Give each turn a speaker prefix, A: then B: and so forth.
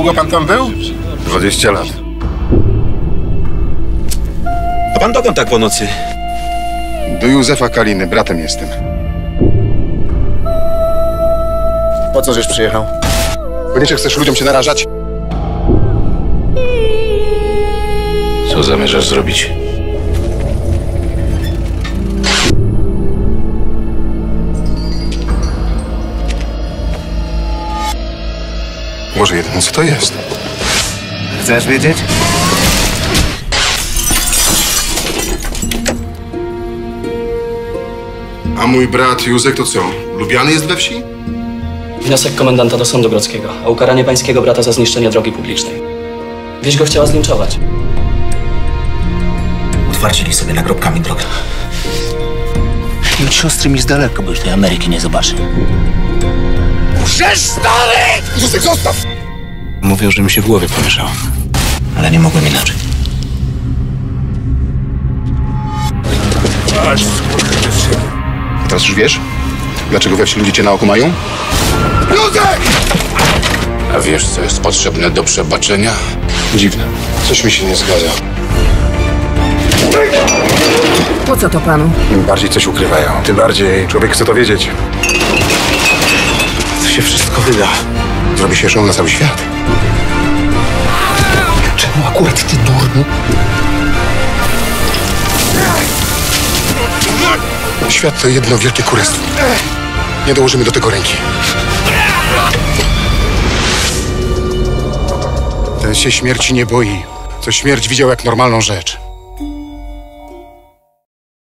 A: Długo pan tam był?
B: 20 lat.
C: A pan dokąd tak po nocy?
B: Do Józefa Kaliny, bratem jestem.
A: Po co żeś przyjechał?
B: Koniecznie chcesz ludziom się narażać?
D: Co zamierzasz zrobić?
B: Może jedyne co to jest?
A: Chcesz wiedzieć?
B: A mój brat Józek to co? Lubiany jest we wsi?
E: Wniosek komendanta do sądu grodzkiego o ukaranie pańskiego brata za zniszczenie drogi publicznej. Wieś go chciała zlinczować.
F: Utwardzili sobie nagrobkami drogę. I od siostry mi z daleka, bo już tej Ameryki nie zobaczy.
B: Józek, zostaw!
C: Mówią, że mi się w głowie pomieszało.
F: Ale nie mogłem inaczej.
B: Teraz już wiesz, dlaczego we wsi ludzie cię na oku mają? Józek!
D: A wiesz, co jest potrzebne do przebaczenia?
B: Dziwne. Coś mi się nie zgadza.
G: Po co to panu?
B: Im bardziej coś ukrywają, tym bardziej człowiek chce to wiedzieć.
C: To się wszystko wyda.
B: Zrobi się show na cały świat.
F: Czemu akurat ty, durny?
B: Świat to jedno wielkie kurestwo. Nie dołożymy do tego ręki. Ten się śmierci nie boi. Co śmierć widział jak normalną rzecz.